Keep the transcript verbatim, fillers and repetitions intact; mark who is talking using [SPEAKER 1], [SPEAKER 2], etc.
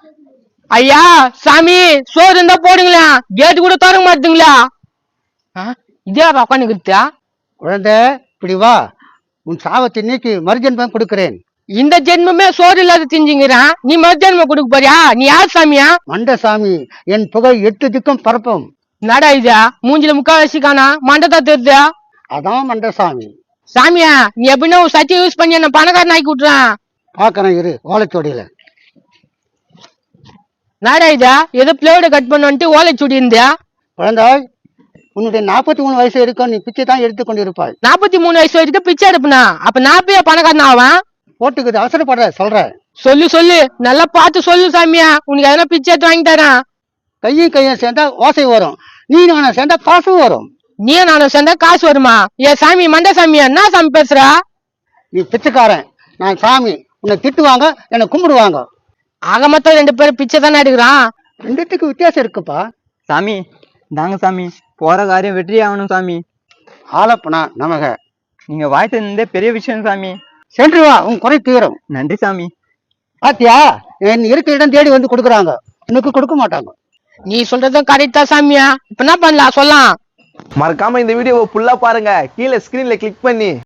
[SPEAKER 1] ஐயா சாமி சோறு இருந்தா போடுங்களா, கேட்டு கூட திறக்க மாட்டீங்களா? இதே உட்காந்துக்கிட்டா
[SPEAKER 2] குழந்தை இப்படி வா, உன் சாவத்தை நீக்கி மறுஜென்மம் கொடுக்கிறேன்.
[SPEAKER 1] இந்த ஜென்மமே சோறு இல்லாத திஞ்சுங்கிறான், நீ மறுஜென்மம் கொடுக்க போறியா? நீ யார் சாமியா?
[SPEAKER 2] மண்ட சாமி, என் புகழ் எட்டு திக்கும் பரப்பும்.
[SPEAKER 1] நடா இதா மூஞ்சில முக்காவாசி காணா மண்டதா தெரியுதா?
[SPEAKER 2] அதான் மண்ட சாமி.
[SPEAKER 1] சாமியா நீ எப்படின்னா சத்தி யூஸ் பண்ணி என்ன பணக்காரன் ஆக்கி விட்டுறான்.
[SPEAKER 2] பாக்கறேன் இரு, ஓலைச்சோடியில.
[SPEAKER 1] நாடா இதா ஏதோ பிளேட கட் பண்ணிட்டு ஓலைச்சுடி இருந்தியா?
[SPEAKER 2] குழந்தாய், உன்னுடைய நாற்பத்தி மூணு வயசு இருக்கும், நீ பிச்சை தான் எடுத்துக் கொண்டிருப்பாய்.
[SPEAKER 1] நாற்பத்தி மூணு வயசு வரைக்கும் பிச்சை எடுப்புனா அப்ப நாப்பையா பணக்காரன் ஆவான்?
[SPEAKER 2] போட்டுக்குது, அவசரப்படுற சொல்ற.
[SPEAKER 1] சொல்லு சொல்லு, நல்லா பார்த்து சொல்லு சாமியா, உனக்கு எதனா பிச்சை எடுத்து வாங்கி தரேன்.
[SPEAKER 2] கையும் கையும் சேர்ந்தா ஓசை வரும், நீ நானும் சேர்ந்தா காசு வரும்.
[SPEAKER 1] நீ நானும் சேர்ந்தா காசு வருமா? ஏ சாமி மண்ட சாமியா, என்ன சாமி பேசுறா?
[SPEAKER 2] நீ பிச்சைக்காரன், நான் சாமி. உன்னை திட்டுவாங்க, என்னை கும்பிடுவாங்க.
[SPEAKER 1] ஆக மொத்தம் ரெண்டு பேரும் பிச்சை தானே எடுக்கிறான்.
[SPEAKER 2] ரெண்டுத்துக்கு வித்தியாசம் இருக்குப்பா.
[SPEAKER 3] சாமி தாங்க சாமி, போற காரியம் வெற்றி ஆகணும் சாமி.
[SPEAKER 2] ஆலப்பனா நமக.
[SPEAKER 3] நீங்க வாய்த்து இருந்தே பெரிய விஷயம் சாமி.
[SPEAKER 2] சென்று வா, உன் குறை தீரும்.
[SPEAKER 3] நன்றி சாமி.
[SPEAKER 2] பாத்தியா, என் இருக்கிற இடம் தேடி வந்து கொடுக்குறாங்க, உனக்கு கொடுக்க மாட்டாங்க.
[SPEAKER 1] நீ சொல்றதும் கரெக்டா சாமியா, இப்ப என்ன பண்ணலாம் சொல்லலாம்.
[SPEAKER 4] மறக்காம இந்த வீடியோவை ஃபுல்லா பாருங்க, கீழே ஸ்கிரீன்ல கிளிக் பண்ணி